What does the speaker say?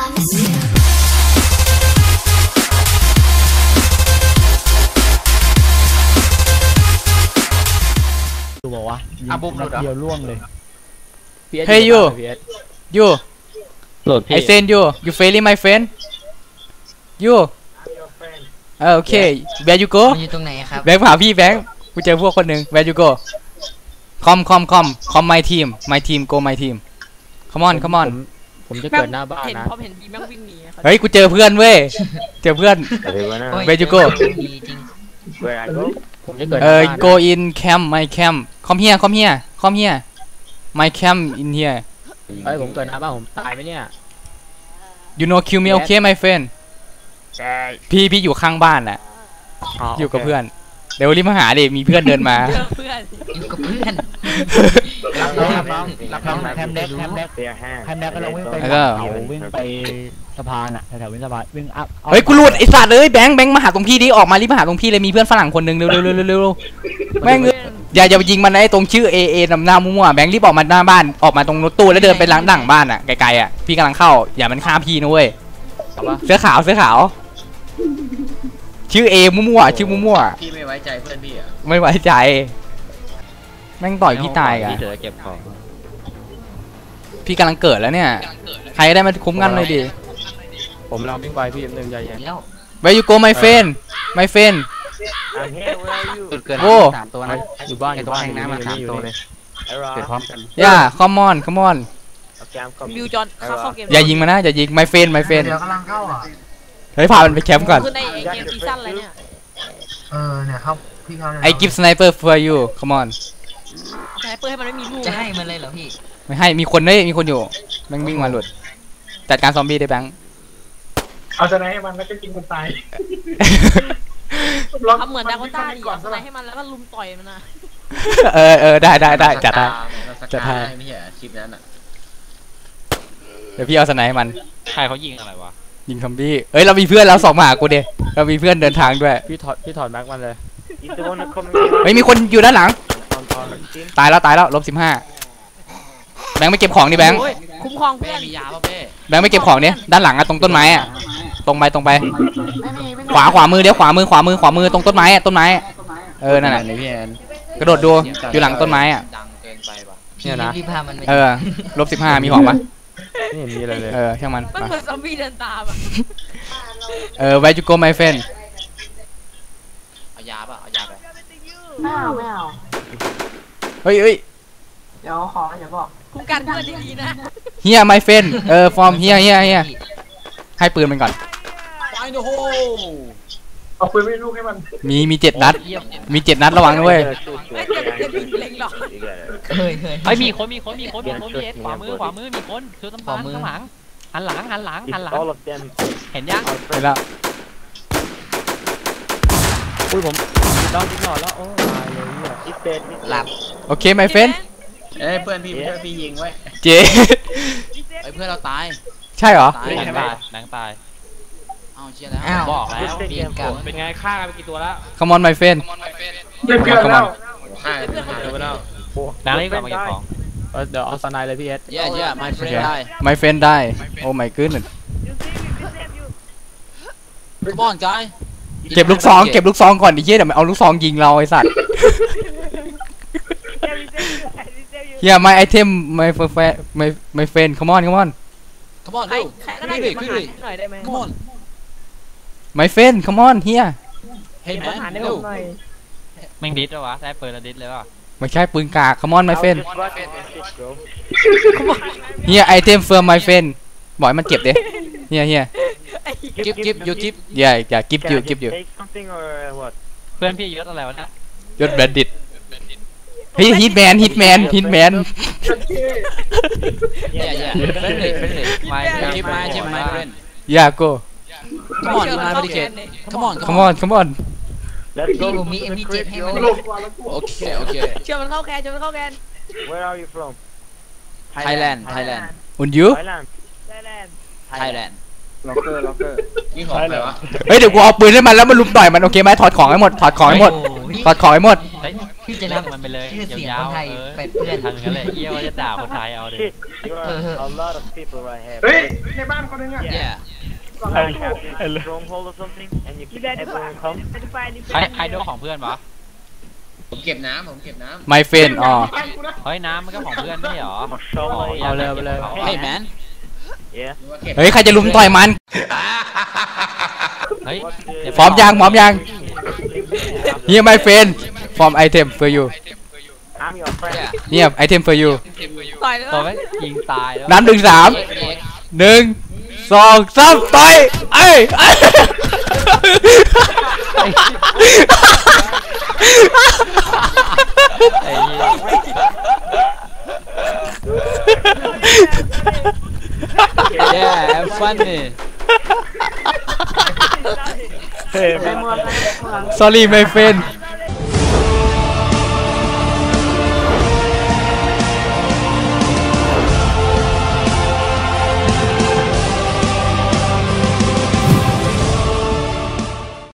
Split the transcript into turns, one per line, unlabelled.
ดูบอกว่า
บุ้มหลุดเหรอ
เดียวล่วงเลย
เฮ้ยยู
โหลด
I send you failing my friend you โอเค where you go
มันอยู่ตรงไหนครับ
แบงค์ผ่าพี่แบงค์กูเจอพวกคนหนึ่ง where you go com my team go my team come on
ผมจะเกิดหน้าบ้านนะ
พอเห็นบีแม่งวิ่งหนี
เฮ้ยกูเจอเพื่อนเว้ยเจอเพื่อน where you go
ผมจะเกิด
go in camp my camp come here my camp in here
เฮ้ยผมเกิดหน้าบ้านผมตายไหมเนี่ย
you know kill me okay my friend พี่อยู่ข้างบ้านแหละอยู่กับเพื่อนเดี๋ยวรีบมาหาดิมีเพื่อนเดินมา
เพื่อน
อยู่กับเพื่อน
รับน้องแฮมแดกก็ลงวิ่งไปวิ่งไปสะพานอ่ะแถววิ่งสะพานวิ่งอัพ
เฮ้ยกูหลุดไอ้สัตว์เลยแบงค์มาหาตรงพี่ดิออกมารีบมาหาตรงพี่เลยมีเพื่อนฝรั่งคนหนึ่งเร็วแม่งอย่าไปยิงมันนะไอ้ตรงชื่อเอนำหน้ามั่วแบงค์รีบออกมาหน้าบ้านออกมาตรงรถตู้แล้วเดินไปล้างดั่งบ้านอ่ะไกลๆอ่ะพี่กำลังเข้าอย่ามันฆ่าพี่นะเว้ยเสื้อขาวชื่อมั่วชื่อมั่ว
พี่ไม่ไว้ใจเพื่อนพี่อ่ะ
ไม่ไว้ใจแม่งต่อยพี่ตายอ่ะพี่กำลังเกิดแล้วเนี่ยใครได้มาคุ้มกันเลยดิ
ผมลองวิ่งไปพี่หนึ่งใจเย็น
Where you go my friend
โอ้3ตัวนะอยู่บ้านอยู่บ้านน้ำมา3ตัวเลยเกิดพร้อมกัน
ย่า come on
มิวจอนเข้าเกม
อย่ายิงมานะอย่ายิง my friend
เดี๋ยวกำลังเข้าอ่ะ
เฮ้ยพามันไปแคมป์ก่อน
คือในเกมซีซั่นอะไรเนี่ย
เนี่ยครับพี่เขา
ไอ้ give sniper for you come on
สไนเปอร์ให้มันไม่มีลูก
จะให้มันเลยเหรอพี่
ไม่ให้มีคนอยู่แม่งวิ่งมาหลุดจัดการซอมบี้ได้แบงค์
เอาสไนให้มันแล้วก็กินคนตาย
ทำเหมือนดาโกต้าดิสไนให้มันแล้วก็ลุมต่อยมันนะ
ได้จัดให้
ไม่ใช่คลิปนั้นอ่ะ
เดี๋ยวพี่เอาสไนให้มัน
ใครเขายิงอะไรวะ
ยิงซอมบี้เรามีเพื่อนแล้ว2มาหากูดิเรามีเพื่อนเดินทางด้วย
พี่ถอดแม็กมันเลย
ไม่มีคนอยู่ด้านหลังตายแล้ว-15แบงค์ไม่เก็บของดิแบงค์
คุ้มครองเพื่อน
มียาป่ะเป้
แบงค์ไม่เก็บของเนี่ยด้านหลังอะตรงต้นไม้อะตรงไปขวามือเดี๋ยวขวามือตรงต้นไม้อะนั่นแหละ
พี่แอน
กระโดดดูอยู่หลังต้นไม้อะ
เนี่ยนะ
-15มีของปะ
ไม่เห็นมีอะไรเลย
ช่างมัน
เหมือนซอมบี้เดินตาม
Where you go my friend
เอายาไป
ไม่เอา
เฮ้ย
เดี๋ยวขออย่าบอก
คุ้มกันเพื่อนดีๆนะ
เฮีย my friend from เฮียให้ปืนมันก่อน
เอาปืนไม่ลูกให้มัน
มี7 นัดระวังด้วย
ไม่เจ็บเล็งหรอก
ไอ้มีคนมีขวามือมีคนคือต้นไม้ข้างหลังหันหลังเห็นยัง
เห็นแล้ว
อุ้ยผมต้องทิ้งหน่อยแล้วโอ้ตายเลยเนี่ย
หลับ
โอเค my friend
เพื่อนพี่ยิงไว้
เจ๊
เพื่อนเราตาย
ใช่เหรอ
หนังตายเอาเชี่ยแล้วบอกแล้วเป็นไงฆ่ากันไปกี่ตัวแล้ว
Come on my friend
เพื่อนแล้ว
นางนี่ก็มาเก็บของ
เดี๋ยวเอาสไนเลยพี่เอส
my friend die
my friend die oh my goodness
Come on guy
เก็บลูกซองก่อนดิเหี้ยเดี๋ยวมันเอาลูกซองยิงเราไอ้สัตว์เฮีย my item my friend come on
ขึ้น
come on
my friend come on เฮีย
เฮ้ยแมนเร็วแม่งดิสเหรอวะได้ปืนแล้วดิสเลยป่ะ
ไม่ใช่ปืนกาก come on my friend เฮีย item for my friend บอกให้มันเก็บดิเฮีย
กิฟyou
อย่ากิฟอยู่
เพื่อนพี่ยศอะไรวะนะ
ยศแบนดิตเฮ้ยฮิตแมน
yeah my friend
yeah go
come on my medication
come on
Let's go มี MD7 ให้มัน
โอเค
เชื่อมันเข้าแคน
Where are you from
Thailand
and you
Thailand
ล็อกเกอร์
นี่ของใครวะ
เฮ้ยเดี๋ยวกูเอาปืนให้มันแล้วมันลุมต่อยมันโอเคไหมถอดของให้หมดถอดของให้หมด
พี่จะ
เล่
นั
น
บ
มันไปเลย
ชื่อเสียง
ยา
ค
วน
ไทย
ๆ
ไปเพื่อน
ทางกันเลยเอี้ยวจะด่าคนไทยเอาเลย
Shit, you are a lot of people right here. เฮ้ยในบ้านคนนึงอ่ะ
Yeah.
I have this stronghold or something, and you can everyone come.
ใครโดนของเพื่อนวะ
ผมเก็บน้ำ
my friend อ๋อ
เฮ้ยน้ำมันก็ของเพื่อนไม่ใช่หรอ
Mashallah.
เอาเลยเอาเลย
เฮ้ยแมน
Yeah.
เฮ้ยใครจะลุมต่อยมัน
เฮ้ย
พร้อมยังHere my friend from item for you
I'm your friend.
เนี่ย item for you
ต่อยเลย
ตัวไม่ยิงตายแล้ว
น้ำ1 3 1 2 3ต่อยเอ้ย
ไอ้เหี้ย Yeah funny
sorry my friend